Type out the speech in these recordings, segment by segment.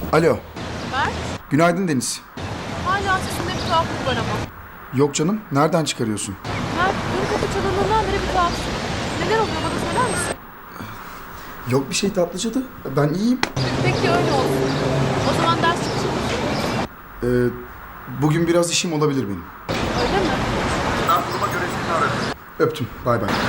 Alo. Mert, Günaydın Deniz. hala sesinde bir tuhaflık var ama. Yok canım. Nereden çıkarıyorsun? Mert, dün kapı çalındığından beri bir tuhafsın. Neler oluyor bana söyler misin? Yok bir şey tatlıcadı. Ben iyiyim. Peki öyle olsun. O zaman ders çıkışı mısın? Bugün biraz işim olabilir benim. Öyle mi? Ben duruma göre seni ararım. Öptüm. Bay bay.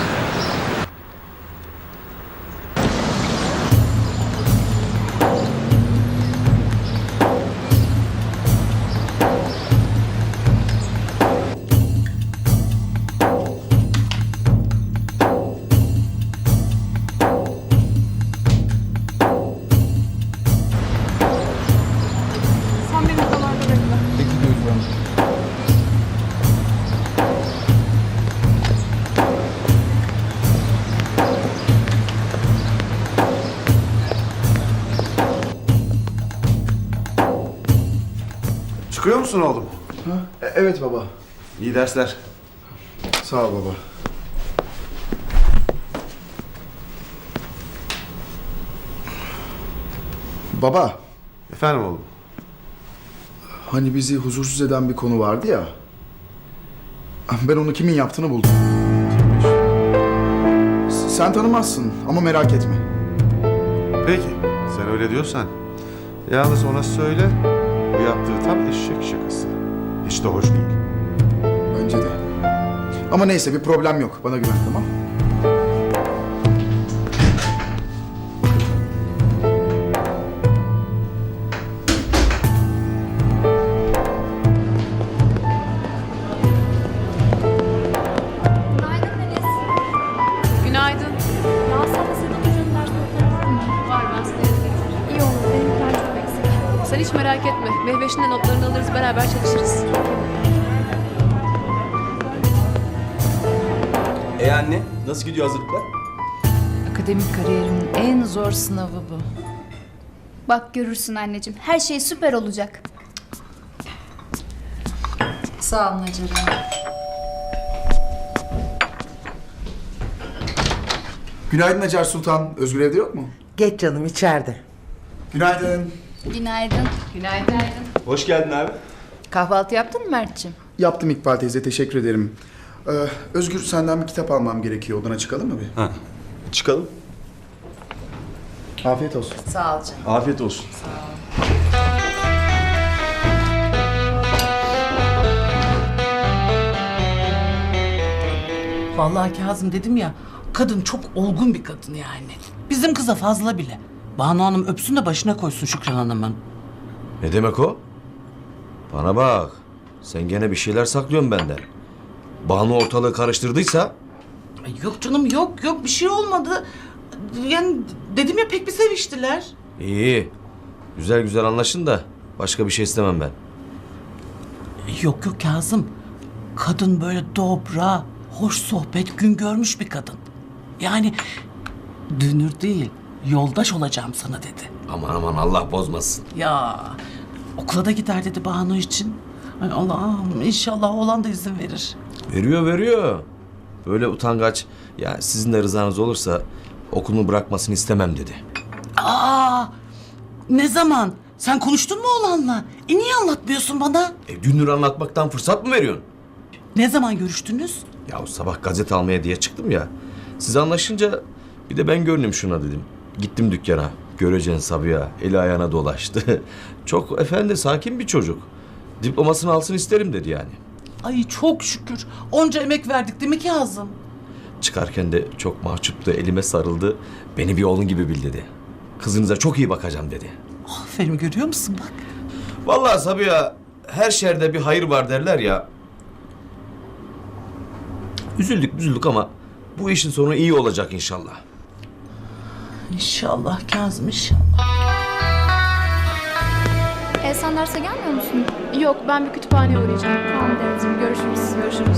Sen beni odalarda bekle. Peki Gözde Hanım. Çıkıyor musun oğlum? Evet baba. İyi dersler. Sağ ol baba. Baba, Efendim oğlum? hani bizi huzursuz eden bir konu vardı ya. Ben onu kimin yaptığını buldum. Sen tanımazsın ama merak etme. Peki, sen öyle diyorsan. Yalnız ona söyle, bu yaptığı tam eşek şakası. Hiç de hoş değil. Bence de. Ama neyse bir problem yok. Bana güven, tamam? Günaydın Deniz. Günaydın. Ya sana senin hocanın ders notları var mı? Var, ben sana yazayım. İyi olur. Benimkiler çok eksik. Sen hiç merak etme. Mehveş'in de notlarını alırız, beraber çalışırız. Anne, nasıl gidiyor hazırlıklar? Akademik kariyerimin en zor sınavı bu. Bak görürsün anneciğim. Her şey süper olacak. Sağ olun Hacer. Günaydın Hacer Sultan. Özgür evde yok mu? Geç canım içeride. Günaydın. Günaydın. Günaydın. Hoş geldin abi. Kahvaltı yaptın mı Mert'ciğim? Yaptım İkbal teyze. Teşekkür ederim. Özgür senden bir kitap almam gerekiyor. Odana çıkalım mı bir? Ha. Çıkalım. Afiyet olsun. Sağ ol canım. Afiyet olsun. Vallahi Kazım dedim ya, kadın çok olgun bir kadın yani. Bizim kıza fazla bile. Banu Hanım öpsün de başına koysun Şükran Hanım'ın. Ne demek o? Bana bak. Sen gene bir şeyler saklıyorsun benden. Banu ortalığı karıştırdıysa... Ay yok canım, yok bir şey olmadı. Yani dedim ya, pek bir seviştiler. İyi. Güzel güzel anlaşın da başka bir şey istemem ben. Yok Kazım. Kadın böyle dobra, hoş sohbet, gün görmüş bir kadın. Yani dünür değil, yoldaş olacağım sana dedi. Aman aman Allah bozmasın. Ya okula da gider dedi Banu için. Ay Allah'ım, inşallah oğlan da izin verir. Veriyor. Böyle utangaç. Ya sizin de rızanız olursa okulunu bırakmasını istemem dedi. Aa, ne zaman? Sen konuştun mu oğlanla? Niye anlatmıyorsun bana? Dünür anlatmaktan fırsat mı veriyorsun? Ne zaman görüştünüz? Ya sabah gazete almaya diye çıktım ya. Siz anlaşınca bir de ben görüneyim şuna dedim. Gittim dükkana. Göreceksin Sabiha. Eli ayağına dolaştı. Çok efendi, sakin bir çocuk. Diplomasını alsın isterim dedi yani. Ay çok şükür. Onca emek verdik değil mi Kazım? Çıkarken de çok mahcuptu. Elime sarıldı. Beni bir oğlun gibi bil dedi. Kızınıza çok iyi bakacağım dedi. Aferin, görüyor musun bak. Vallahi Sabiha, her şerde bir hayır var derler ya. Üzüldük ama bu işin sonu iyi olacak inşallah. İnşallah Kazım, inşallah. Sen derse gelmiyor musun? Yok, ben bir kütüphaneye uğrayacağım. Tamam Deniz'im. Görüşürüz. Görüşürüz.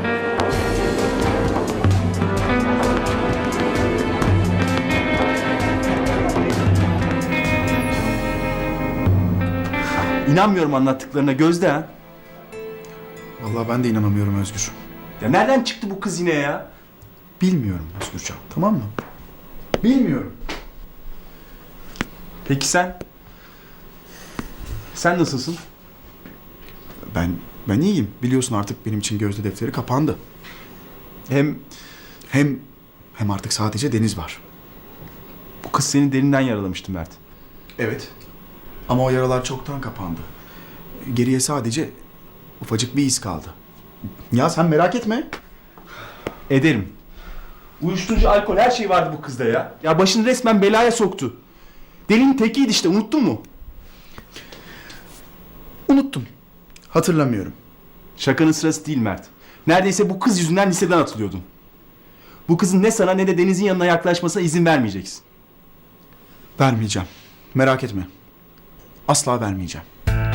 İnanmıyorum anlattıklarına Gözde ha. Vallahi ben de inanamıyorum Özgür. Ya nereden çıktı bu kız yine ya? Bilmiyorum Özgürcan, tamam mı? Bilmiyorum. Peki sen? Sen nasılsın? Ben iyiyim. Biliyorsun artık benim için Gözde defteri kapandı. Hem Hem artık sadece Deniz var. bu kız seni derinden yaralamıştı Mert. Evet. Ama o yaralar çoktan kapandı. Geriye sadece ufacık bir iz kaldı. Ya sen merak etme. Ederim. Uyuşturucu, alkol her şey vardı bu kızda ya. Ya başını resmen belaya soktu. Delinin tekiydi işte, unuttun mu? Unuttum. Hatırlamıyorum. Şakanın sırası değil Mert. Neredeyse bu kız yüzünden liseden atılıyordun. Bu kızın ne sana ne de Deniz'in yanına yaklaşmasına izin vermeyeceksin. Vermeyeceğim. Merak etme. Asla vermeyeceğim.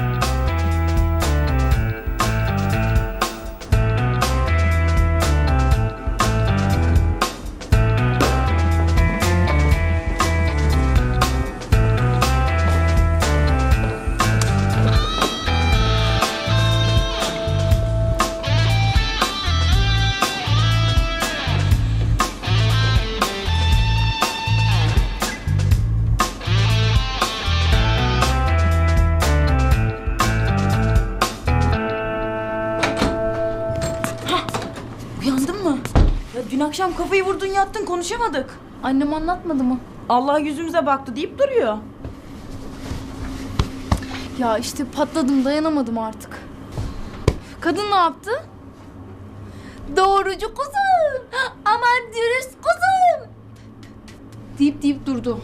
Uyandın mı? Ya dün akşam kafayı vurdun yattın konuşamadık. Annem anlatmadı mı? Allah yüzümüze baktı deyip duruyor. Ya işte patladım, dayanamadım artık. Kadın ne yaptı? Doğrucu kuzum, aman dürüst kuzum deyip durdu.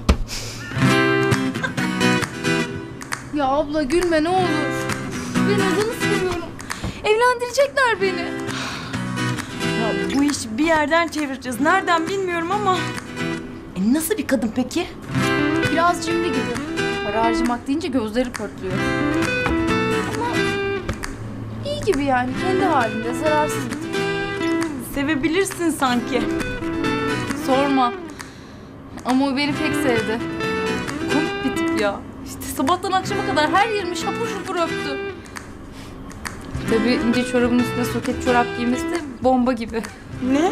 Ya abla gülme ne olur. Ben adını seviyorum. Evlendirecekler beni. Ya bu işi bir yerden çevireceğiz. Nereden bilmiyorum ama. Nasıl bir kadın peki? Biraz cimri gibi. Para harcamak deyince gözleri pörtlüyor. Ama iyi gibi yani, kendi halinde, zararsız bir tip. Sevebilirsin sanki. Sorma. Ama o beni pek sevdi. Komik bir tip ya. İşte sabahtan akşama kadar her yerimi şapur şupur öptü. Tabii ince çorabın üstüne soket çorap giymesi de bomba gibi. Ne?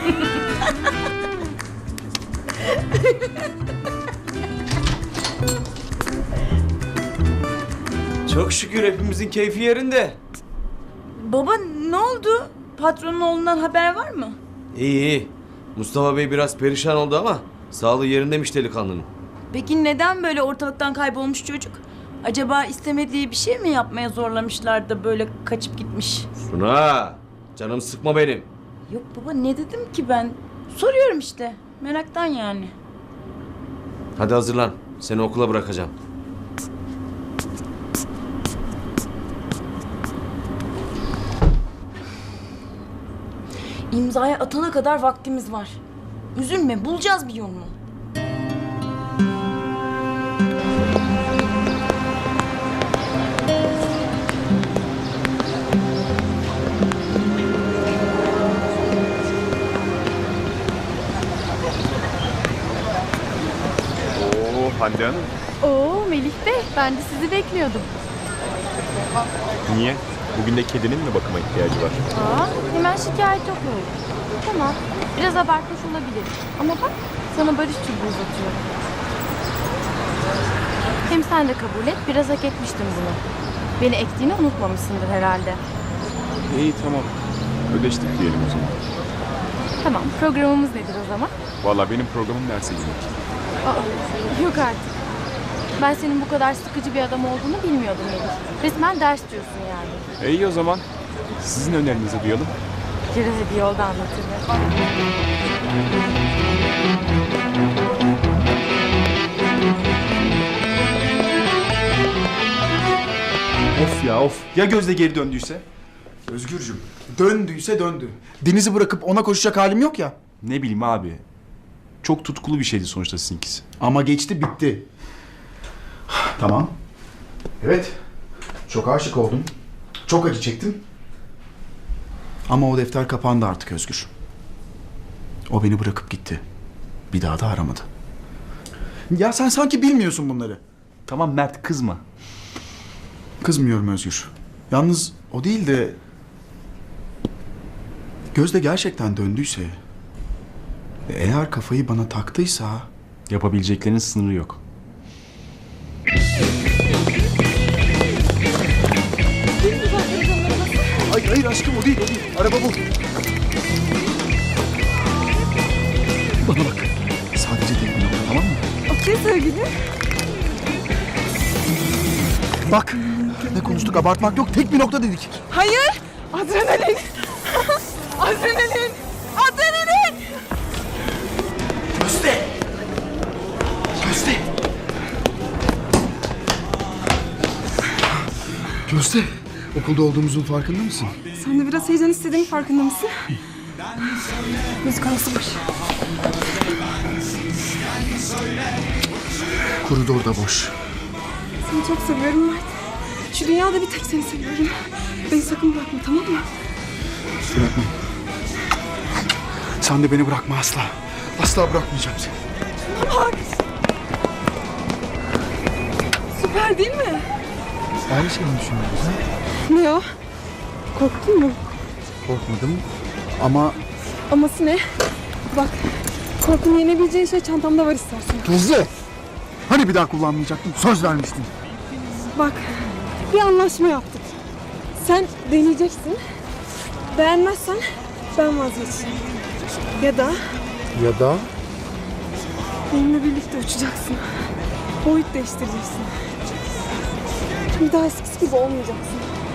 Çok şükür hepimizin keyfi yerinde. Baba ne oldu? Patronun oğlundan haber var mı? İyi iyi. Mustafa Bey biraz perişan oldu ama sağlığı yerindeymiş delikanlının. Peki neden böyle ortalıktan kaybolmuş çocuk? Acaba istemediği bir şey mi yapmaya zorlamışlar da böyle kaçıp gitmiş? Suna, canım sıkma benim. Yok baba ne dedim ki ben? Soruyorum işte. Meraktan yani. Hadi hazırlan. Seni okula bırakacağım. İmzaya atana kadar vaktimiz var. Üzülme, bulacağız bir yolunu. Hande Hanım. Oo Melih Bey, ben de sizi bekliyordum. Niye? Bugün de kedinin mi bakıma ihtiyacı var? Aa, hemen şikayet yok öyle. Tamam, biraz abartmış olabilir. Ama bak, sana barış çubuğu uzatıyorum. Hem sen de kabul et, biraz hak etmiştin bunu. Beni ektiğini unutmamışsındır herhalde. İyi tamam. Ödeştik diyelim o zaman. Tamam, programımız nedir o zaman? Vallahi benim programım derse girmek. Aa, yok artık. Ben senin bu kadar sıkıcı bir adam olduğunu bilmiyordum Melih. Resmen ders diyorsun yani. İyi o zaman. Sizin önerinizi duyalım. Biraz bir yolda anlatırım. Of ya of. Ya Gözde geri döndüyse? Özgürcüm, döndüyse döndü. Deniz'i bırakıp ona koşacak halim yok ya. Ne bileyim abi. Çok tutkulu bir şeydi sonuçta sizinkisi. Ama geçti, bitti. Tamam. Evet. Çok aşık oldum. Çok acı çektim. Ama o defter kapandı artık Özgür. O beni bırakıp gitti. Bir daha da aramadı. Ya sen sanki bilmiyorsun bunları. Tamam Mert kızma. Kızmıyorum Özgür. Yalnız o değil de... Gözde gerçekten döndüyse... ve eğer kafayı bana taktıysa... Yapabileceklerinin sınırı yok. aşkım o değil. Araba bu. Bana bak. Sadece tek bir nokta, tamam mı? Okey sevgilim. Bak. Ne konuştuk, abartmak yok. Tek bir nokta dedik. Hayır. Adrenalin. Adrenalin. Adrenalin. Gözde. Gözde. Gözde. Okulda olduğumuzun farkında mısın? Sen de biraz heyecan istediğin farkında mısın? Müzik arasımış. Koridor da boş. Seni çok seviyorum Mert. Şu dünyada bir tek seni seviyorum. Beni sakın bırakma, tamam mı? Bırakmam. Sen de beni bırakma asla. Asla bırakmayacağım seni. Bak. Süper değil mi? Aynı şeyi mi düşünüyoruz ha? Ne o? Korktun mu? Korkmadım ama... Aması ne? Bak, korkunu yenebileceğin şey çantamda var istersen. Gözde! Hani bir daha kullanmayacaktın? Söz vermiştin. Bak, bir anlaşma yaptık. Sen deneyeceksin. Beğenmezsen ben vazgeçeceğim. Ya da Ya da... benimle birlikte uçacaksın. Boyut değiştireceksin. Bir daha eskisi gibi olmayacaksın.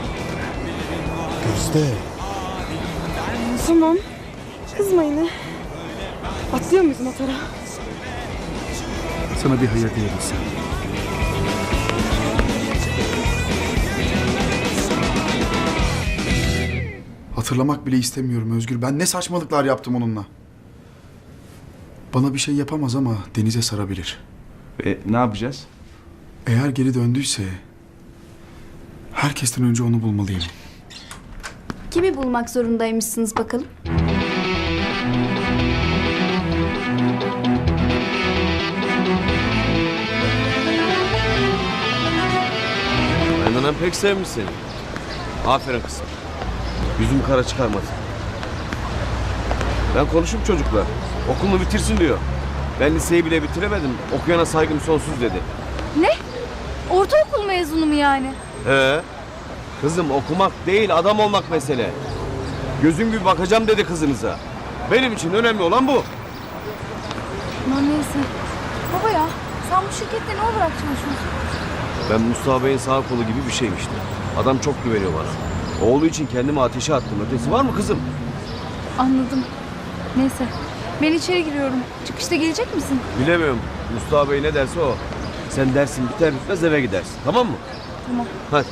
Gözde! Tamam. Kızma yine. Atlıyor muyuz motora? Sana bir hayır diyebilsem. Hatırlamak bile istemiyorum Özgür. Ben ne saçmalıklar yaptım onunla. Bana bir şey yapamaz ama denize sarabilir. Ne yapacağız? Eğer geri döndüyse... herkesten önce onu bulmalıyım. Kimi bulmak zorundaymışsınız bakalım? Aynanan pek sevmiş seni. Aferin kızım. Yüzüm kara çıkarmadı. Ben konuşup çocukla. Okulunu bitirsin diyor. Ben liseyi bile bitiremedim. Okuyana saygım sonsuz dedi. Ne? Ortaokul mezunu mu yani? Kızım okumak değil adam olmak mesele. Gözüm gibi bakacağım dedi kızınıza. Benim için önemli olan bu. Aman neyse. Baba ya, sen bu şirkette ne olarak çalışıyorsun? Ben Mustafa Bey'in sağ kolu gibi bir şeyim işte. Adam çok güveniyor bana. Oğlu için kendimi ateşe attım. Ötesi var mı kızım? Anladım. Neyse. Ben içeri giriyorum. Çıkışta gelecek misin? Bilemiyorum. Mustafa Bey ne derse o. Sen dersin biter bitmez eve gidersin. Tamam mı? Tamam. Hadi.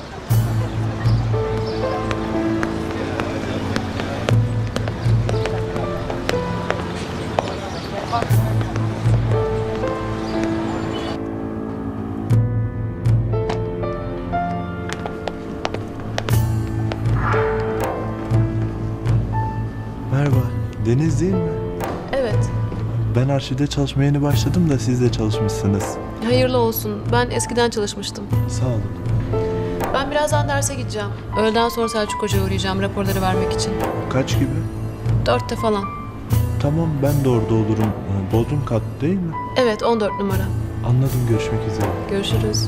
Merhaba, Deniz değil mi? Evet, Ben arşivde çalışmaya yeni başladım da siz de çalışmışsınız. hayırlı olsun. Ben eskiden çalışmıştım. Sağ olun. Ben birazdan derse gideceğim. Öğleden sonra Selçuk Hoca'ya uğrayacağım raporları vermek için. Kaç gibi? 4'te falan. Tamam, ben de orada olurum. Bodrum kat değil mi? Evet, 14 numara. Anladım, görüşmek üzere. Görüşürüz.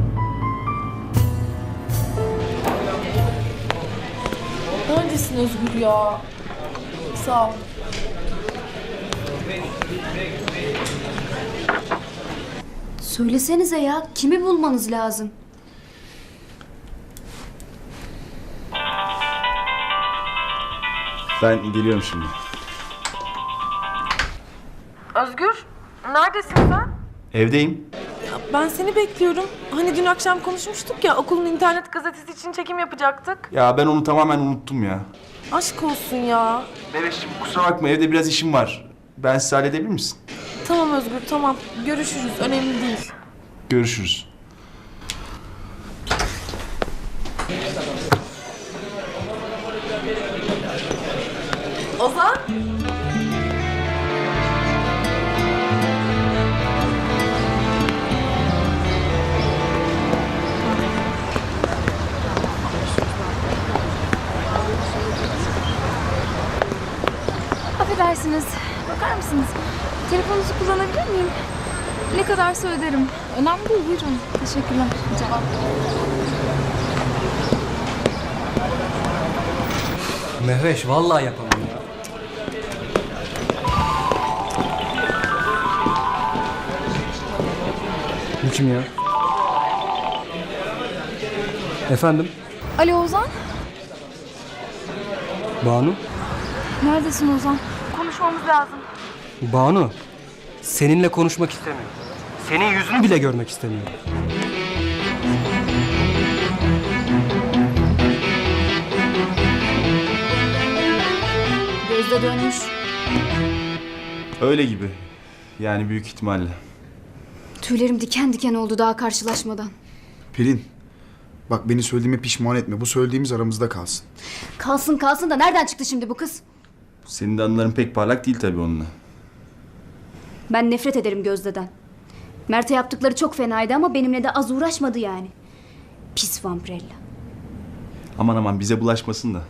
Neredesin Özgür ya? Sağ ol. Söylesenize ya, kimi bulmanız lazım? Ben geliyorum şimdi. Özgür, neredesin sen? Evdeyim. Ben seni bekliyorum. Hani dün akşam konuşmuştuk ya, okulun internet gazetesi için çekim yapacaktık. Ya ben onu tamamen unuttum ya. Aşk olsun ya. Bebeşciğim kusura bakma, evde biraz işim var. Ben size halledebilir misin? Tamam Özgür, tamam. Görüşürüz, önemli değil. Görüşürüz. Ozan? Affedersiniz. Bakar mısınız? Telefonunuzu kullanabilir miyim? Ne kadarsa öderim. Önemli değil, buyurun. Teşekkürler. Cevap. Mehveş vallahi yapamam ya. Bu kim ya? Efendim? Alo Ozan. Banu? Neredesin Ozan? Konuşmamız lazım. Banu, seninle konuşmak istemiyorum. Senin yüzünü bile görmek istemiyorum. Gözde dönmüş. Öyle gibi. Yani büyük ihtimalle. Tüylerim diken diken oldu daha karşılaşmadan. Pelin, bak beni söylediğime pişman etme. Bu söylediğimiz aramızda kalsın. Kalsın kalsın da nereden çıktı şimdi bu kız? Senin de anıların pek parlak değil tabii onunla. Ben nefret ederim Gözde'den. Mert'e yaptıkları çok fenaydı ama benimle de az uğraşmadı yani. Pis Vampirella. Aman aman bize bulaşmasın da.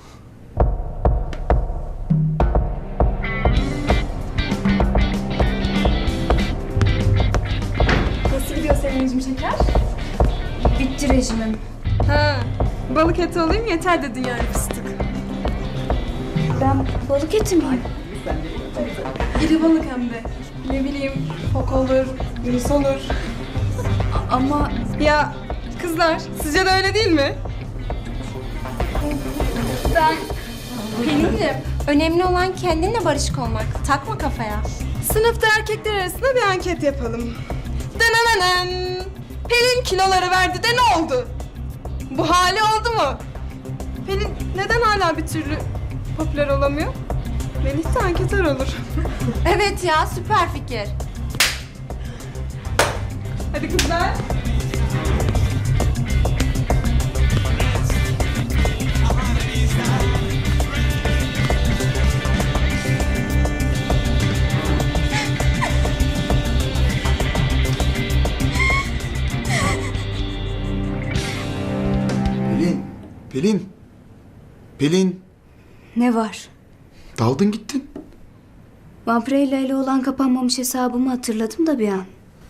Nasıl gidiyor senin rejim şeker? Bitti rejimim. Ha, balık eti alayım yeter dedin yani fıstık. Ben balık eti miyim? İri balık hem de. Ne bileyim, fok olur, yunus olur. Ama Ya kızlar, sizce de öyle değil mi? ben... Pelin'ciğim, önemli olan kendinle barışık olmak. Takma kafaya. Sınıfta erkekler arasında bir anket yapalım. Denenenen. Pelin kiloları verdi de ne oldu? Bu hali oldu mu? Pelin neden hala bir türlü popüler olamıyor? Melih de anketör olur. Evet ya, süper fikir. Hadi kızlar. Pelin, Pelin, Pelin. Ne var? Daldın gittin. Vampirella ile olan kapanmamış hesabımı hatırladım da bir an.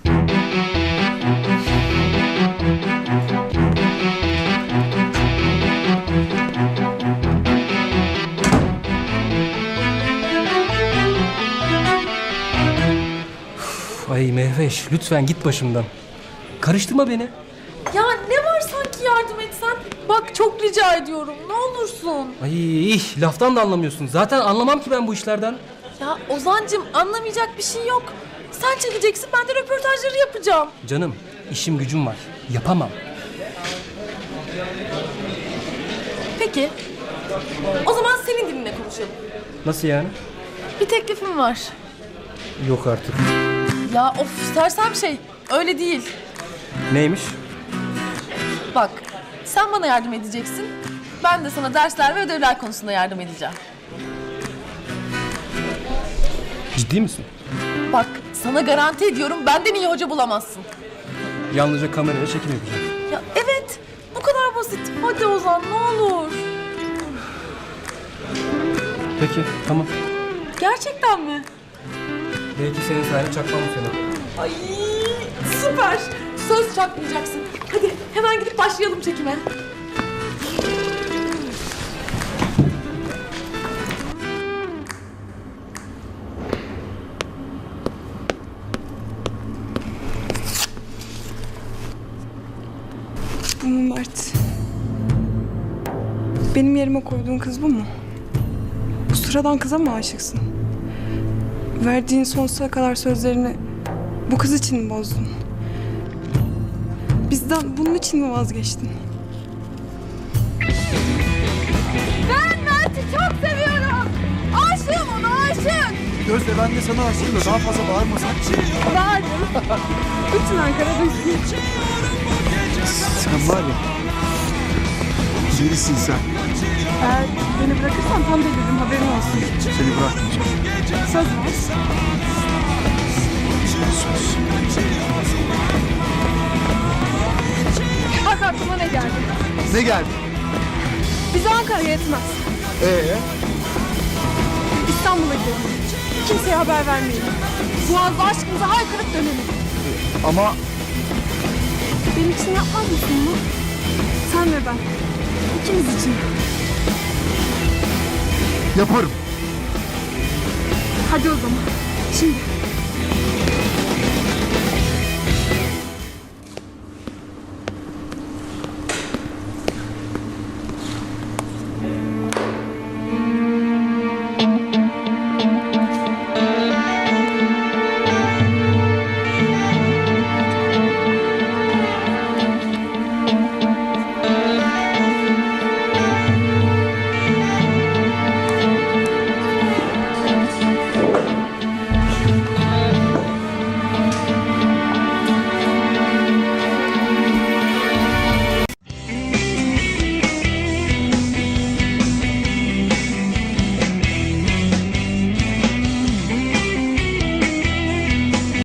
Ay Mehveş, lütfen git başımdan. Karıştırma beni. Ya ne var sanki yardım etsen? Bak çok rica ediyorum ne olursun. Ay laftan da anlamıyorsun. Zaten anlamam ki ben bu işlerden. Ya Ozancığım anlamayacak bir şey yok. Sen çekeceksin ben de röportajları yapacağım. Canım, işim gücüm var. Yapamam. Peki. O zaman senin dilinle konuşalım. Nasıl yani? Bir teklifim var. Yok artık. Ya of sersem şey öyle değil. Neymiş? Bak sen bana yardım edeceksin. Ben de sana dersler ve ödevler konusunda yardım edeceğim. Ciddi misin? Bak sana garanti ediyorum benden iyi hoca bulamazsın. Yalnızca kameraya çekim yapacağım. Ya evet bu kadar basit. Hadi Ozan ne olur. Peki, tamam. Gerçekten mi? Belki senin sayende çakmam bu sene. Ay süper. Söz çakmayacaksın. Hadi hemen gidip başlayalım çekime. Mert. Benim yerime koyduğun kız bu mu? Bu sıradan kıza mı aşıksın? Verdiğin sonsuza kadar sözlerini bu kız için mi bozdun? Bizden bunun için mi vazgeçtin? Ben Mert'i çok seviyorum. Aşığım ona aşık. Gözde ben de sana aşığım da daha fazla bağırmasan. Bağırdım. Bütün Ankara duysun. Sen var ya. Delisin sen. Eğer beni bırakırsan tam deliririm haberin olsun. Seni bırakmayacağım. Söz ver. Bak aklıma ne geldi? Ne geldi? Bize Ankara'ya yetmez. İstanbul'a gidelim. Kimseye haber vermeyelim. Boğaz'da aşkımıza haykırıp dönelim. Ama Benim için yapmaz mısın bunu? Sen ve ben. İkimiz için. Yaparım. Hadi o zaman. Şimdi.